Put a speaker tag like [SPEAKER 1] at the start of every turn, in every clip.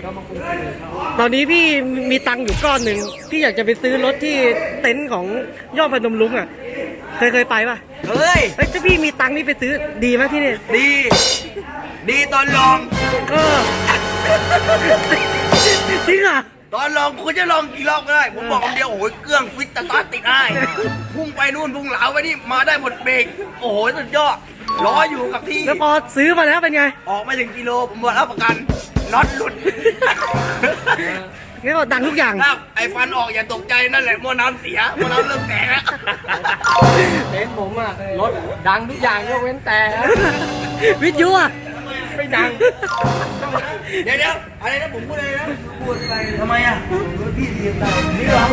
[SPEAKER 1] ก็มาคุยกัน
[SPEAKER 2] ตอนนี้พี่มีตังค์อยู่ก้อนหนึ่งพี่อยากจะไปซื้อรถที่เต็นท์ของยอดพนมรุ้งอ่ะเคยไปป่ะ
[SPEAKER 3] เฮ้ย
[SPEAKER 2] เฮ้ยถ้าพี่มีตังค์นี่ไปซื้อดีไหมที่นี่
[SPEAKER 3] ดี ดีตอนลอง
[SPEAKER 2] เออจริงอ่ะ
[SPEAKER 3] ตอนลองคุณจะลองกี่รอบก็ได้ ผมบอกคำเดียวโอ้ยเครื่องฟิตสตาร์ทติดได้พุ่งไปนู่นพุ่งเหลาไปนี่มาได้หมดเบรกโอ้โหสุดยอดล้ออยู่กับที่
[SPEAKER 2] แล้วพอซื้อมาแล้วเป็นไง
[SPEAKER 3] ออกไม่ถึงกิโลผมบอกรับประกันน็อตหลุด
[SPEAKER 2] งั้นก็ดังทุกอย่าง
[SPEAKER 3] ครับไอ้ฟันออกอย่าตกใจนั่นแหละหม้อน้ำเสียหม้อน้ำเริ่มแตกแล้ว
[SPEAKER 1] เต็นท์ผมอ่ะรถดังทุกอย่างยกเว้นแต่
[SPEAKER 2] วิทยุอ่ะ
[SPEAKER 1] ไม่ดัง
[SPEAKER 3] เดี๋ยวอะไรนะผมพูดอะไรนะพูดไปทำไมอ่ะพี่เรียนได้นี่เหรอ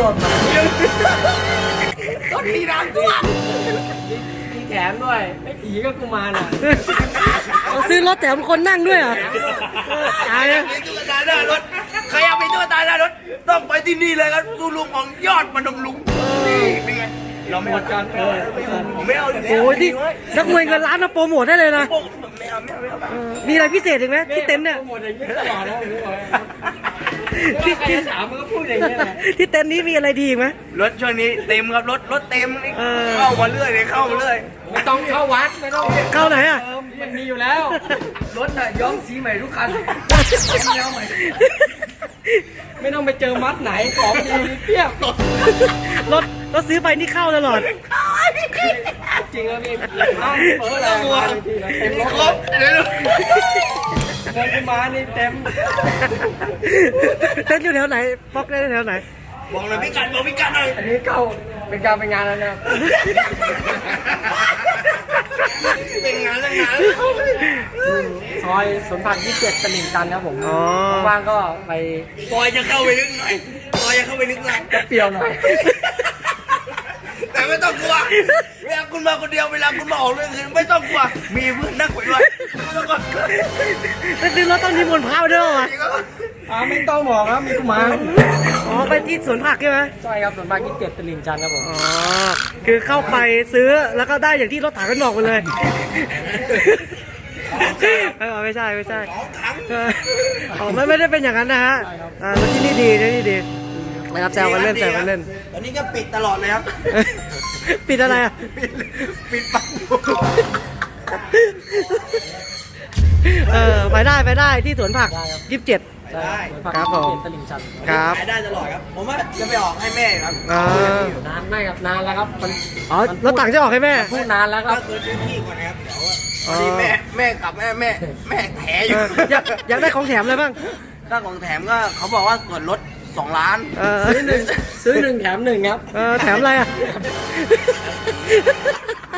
[SPEAKER 3] รถตีน้ำท่วม
[SPEAKER 1] มีแถมด้วยไอ้ผีก็กูมารอ่ะ
[SPEAKER 2] เอาซื้อรถแถมคนนั่งด้วยเหรอตาย
[SPEAKER 3] ใครอ
[SPEAKER 2] แล้
[SPEAKER 3] ยาว กมีตุ๊กตาหน้ารถใครอยากมีตุ๊กตาหน้ารถต้องไปที่นี่เลยครับซูลุงของยอดมนมลุงนี่เป็นไงเราไม่เอากันผมไม่เอา
[SPEAKER 2] โอ้ยที่นักมวยเงินล้านมาโปรโมทได้เลยนะ
[SPEAKER 3] ไม่เอา
[SPEAKER 2] มีอะไรพิเศษอีกไหมที่เต็นท์เนี่ย
[SPEAKER 1] หมดอย่างนี้ตลอดแล้วผมบอกที่ถามมันก็พูดอย่างนี้แหละ
[SPEAKER 2] ที่เต็นท์นี้มีอะไรดีอีกไหม
[SPEAKER 3] รถช่วงนี้เต็มครับรถเต็มนี่
[SPEAKER 2] เออ
[SPEAKER 3] เข้ามาเรื่อยเลยเข้ามาเรื่อย
[SPEAKER 1] ไม่ต้องเข้าวัดไม่ต้อง
[SPEAKER 2] เข้าไหนอ่ะ
[SPEAKER 1] มันมีอยู่แล้วรถน่ะย้อมสีใหม่ทุกคันย้อมใหม่ไม่ต้องไปเจอมัดไหนของดีมีเพียบ
[SPEAKER 2] รถซื้อไปนี่เข้าตลอด
[SPEAKER 1] จริงแล้วพี่อ้าวเปิดอะไรเต็มรถ
[SPEAKER 3] ครบเดี๋ยว
[SPEAKER 1] เดินขึ้นมานี่เต็ม
[SPEAKER 2] เต้นอยู่แถวไหนป๊อกได้แถวไหน
[SPEAKER 3] บอกเลยพี่กันบอกพี่กันหน่อย
[SPEAKER 1] อันนี้เข้าเป็นการเป็นงานแล้วนะครับ
[SPEAKER 3] เป็นงานแล้วงาน
[SPEAKER 1] ซอยสวนผัก27ตลิ่งชันครับผม
[SPEAKER 2] อ๋อ
[SPEAKER 1] ว่างๆก็ไป
[SPEAKER 3] ซอยจะเข้าไปลึกหน่อยซอยจะเข้าไปลึกหน่อย
[SPEAKER 1] จะเปรี้ยวหน่อย
[SPEAKER 3] แต่ไม่ต้องกลัวเวลาคุณมาคนเดียวเวลาคุณมาออกเรื่องอื่นไม่ต้องกลัวมีเพื่อนนั่งไปด้วยไม่ต้องกลัว
[SPEAKER 2] ไปซื้อรถต้องนิมนต์พระมาด้วยวะ
[SPEAKER 1] ไม่ต้องบอกครับมีกุมาร
[SPEAKER 2] อ๋อไปที่สวนผักใช่ไหม
[SPEAKER 1] ใช่ครับสวนผัก27ตลิ่งชันครับผม
[SPEAKER 2] อ๋อคือเข้าไปซื้อแล้วก็ได้อย่างที่รถถังกันบอกไปเลยไม่ใช่เอออ๋อไม่ได้เป็นอย่างนั้นนะฮะแล้วที่นี่ดีนะครับแซวกันเล่น
[SPEAKER 3] ตอนนี้ก็ปิดตลอดเลยครับ
[SPEAKER 2] ปิดอะไรอ่ะ
[SPEAKER 3] ปิดปัก
[SPEAKER 2] ไปได้ที่สวนผัก27
[SPEAKER 1] ใช่สวนผัก
[SPEAKER 2] ครับผม
[SPEAKER 1] 27ตลิ่งชัน
[SPEAKER 2] ครับ
[SPEAKER 3] ขายได้ตลอดครับ ผมว่าจะไปออกให้แม่ครับ
[SPEAKER 1] นานไม่ครับนานแล้วครับมัน
[SPEAKER 2] อ๋อรถถังจะออกให้แม่
[SPEAKER 1] พูดนานแล้วค
[SPEAKER 3] ก็
[SPEAKER 1] รับ
[SPEAKER 3] คือซื้อที่ก่อนนะครับเดี๋ยวพอดีแม่กลับแม่แถอยู่
[SPEAKER 2] อยากได้ของแถมอะไรบ้าง
[SPEAKER 3] ก็ของแถมก็เขาบอกว่าส่วนลด2 ล้าน
[SPEAKER 1] ซื้อหนึ่งแถมหนึ่งครับ
[SPEAKER 2] แถมอะไรอ่ะ